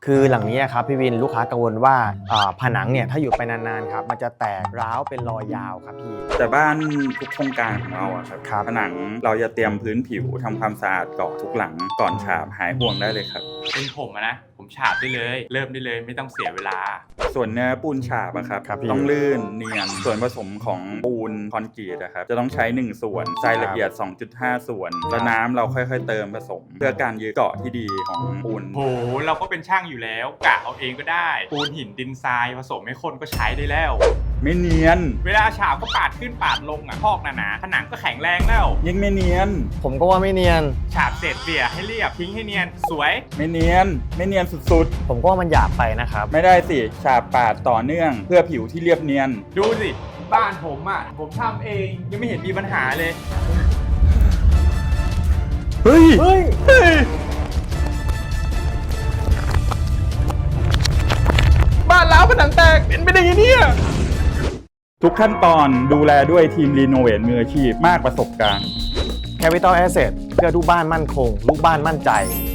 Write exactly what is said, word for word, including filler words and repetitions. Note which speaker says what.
Speaker 1: คือหลังนี้ครับพี่วินลูกค้ากังวลว่าผนังเนี่ยถ้าอยู่ไปนานๆครับมันจะแตกร้าวเป็นรอยยาวครับพี่
Speaker 2: แต่บ้านทุกโครงการของเราอะครับผนังเราจะเตรียมพื้นผิวทำความสะอาดก่อนทุกหลังก่อนฉาบหายห่วงได้เลยครับ
Speaker 3: เป็นผมอะนะผมฉาบได้เลยเริ่มได้เลยไม่ต้องเสียเวลา
Speaker 2: ส่วนเนื้อปูนฉาบอะครับต้องลื่นเนียนส่วนผสมของปูนคอนกรีตอะครับจะต้องใช้หนึ่งส่วนทรายละเอียด สองจุดห้า ส่วนแล้วน้ำเราค่อยๆเติมผสมเพื่อการยึดเกาะที่ดีของปูน
Speaker 3: โหเราก็เป็นช่างอยู่แล้วกะเอาเองก็ได้ปูนหินดินทรายผสมให้คนก็ใช้ได้แล้ว
Speaker 2: ไม่เนียน
Speaker 3: เวลาฉาบก็ปาดขึ้นปาดลงอ่ะพอกหนาๆผนังก็แข็งแรงแล้ว
Speaker 2: ยิ่งไม่เนียน
Speaker 1: ผมก็ว่าไม่เนียน
Speaker 3: ฉาบเสร็จเปี่ยให้เรียบทิ้งให้เนียนสวย
Speaker 2: ไม่เนียนไม่เนียนสุด
Speaker 1: ๆผมก็ว่ามันหยาบไปนะครับ
Speaker 2: ไม่ได้สิฉาบปาดต่อเนื่องเพื่อผิวที่เรียบเนียน
Speaker 3: ดูสิบ้านผมอ่ะผมทำเองยังไม่เห็นมีปัญหาเลย
Speaker 1: เฮ้ยเฮ้ย
Speaker 3: บ้านล้าวผนังแตกเป็นไปได้ยังเนี่ย
Speaker 2: ทุกขั้นตอนดูแลด้วยทีมรีโนเวทมืออาชีพมากประสบการณ์
Speaker 1: Capital Asset เพื่อลูกบ้านมั่นคงลูกบ้านมั่นใจ